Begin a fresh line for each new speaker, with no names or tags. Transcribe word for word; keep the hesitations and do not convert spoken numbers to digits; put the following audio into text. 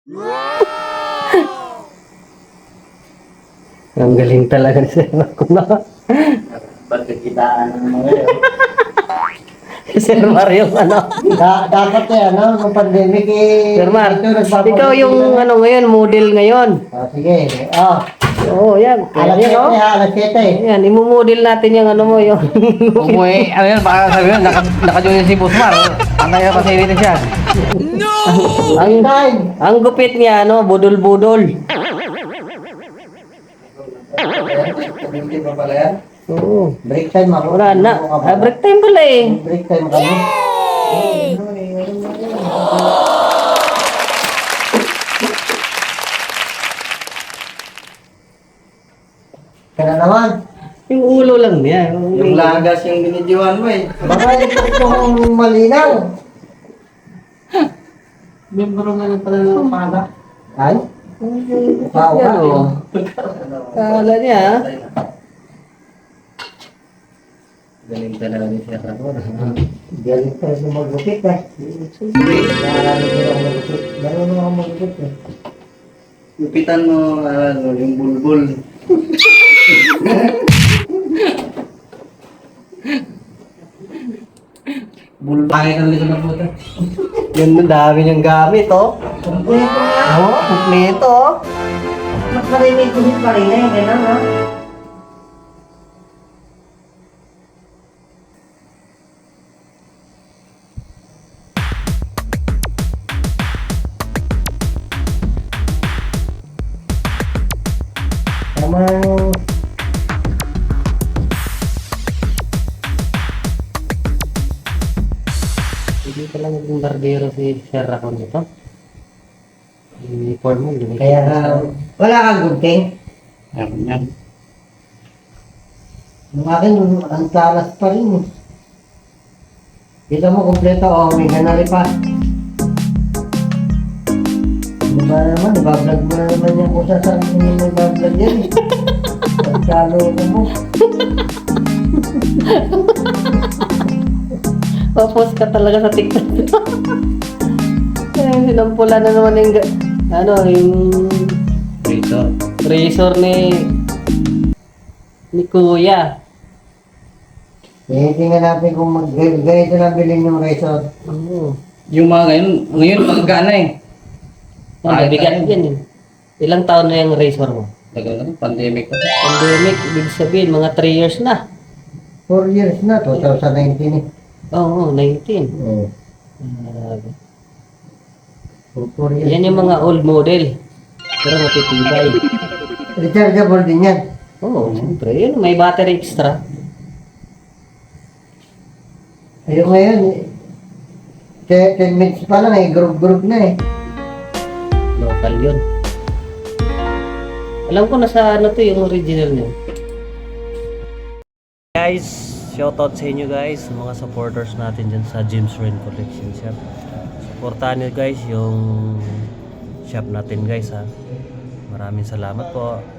Ang galing talaga ni Sir Marco na.
Pagkakitaan ng mga yun.
Sir Mario, ano?
Da- dapat eh, ano, nung pandemic eh.
Sir Mar,
ito, nagpapabili
ikaw yung
na-
ano ngayon, model ngayon.
Ah, sige. Oh,
Oo, yan. Kaya
alas
yan,
siyete
oh.
ha, alas siyete.
Yan, imumodel natin yung ano mo, yung...
Umuwi, ano yan, baka sabi mo, naka, naka-join si Busmar. Ang kaya pa sa ilitin siya.
ang,
Time.
ang gupit niya, ano, budol-budol.
Hindi pa pala yan?
Oo.
Break time ako.
Wala na. Ah, break time pala eh.
Break time kami. Kaya naman.
Yung ulo lang niya.
Yung lagas yung binidyohan mo eh.
Baka ito itong malinaw.
Membro nga lang pala ng pala.
Ay? Wow,
Yan,
wow.
oh. Kala niya, ah.
Galing talaga ni Sir Ramon.
Galing tayo sa magupit eh. Marami ko lang magupit. Marunong ako magupit eh.
Lupitan mo, ano, yung bulbul. Bulbul. Pangit ang likod ng puta.
Yan, ang dami niyang gamit, oh.
Kompleto nga.
Oo, kumpleto, oh.
Mas marinig ko pa rin eh. Ganun ha. Tamang
Hindi pala naging barbero si Sir Racon ito. Uniform mo, hindi.
kaya nga, wala kang gunting.
Meron yan.
Yung akin, ang talas pa rin eh. Kita mo kompleto, oh, may ganari pa. Ano ba naman, ibablog mo na naman yan kung saan mo may bablog yan eh. Pagkalo ko mo.
Papos ka talaga sa TikTok. Eh, sinampula na naman yung, ga- ano, yung
Rito.
razor ni ni Kuya.
Eh, tingnan natin kung mag ganito na bilhin yung razor.
Oo.
Yung mga ngayon, ngayon magkana eh.
Ang mabigat yan eh. Ilang taon na yung razor mo?
Tagal na, pandemic pa.
Pandemic, ibig sabihin, mga three years na.
four years na, twenty nineteen eh.
Oo, oh, nineteen.
Oo.
Grabe.
four years.
Yan yung mga old model. Pero matitibay.
Rechargeable din yan.
Oo, oh, siyempre. Yun, may battery extra.
Ayun ngayon, eh, ten minutes pa lang eh, group-group na eh.
Local yun. Alam ko nasa ano to yung original niya. Guys, shoutout sa inyo guys, mga supporters natin dyan sa James Rain Collection Shop. Supportahan nyo guys yung shop natin guys ha. Maraming salamat po.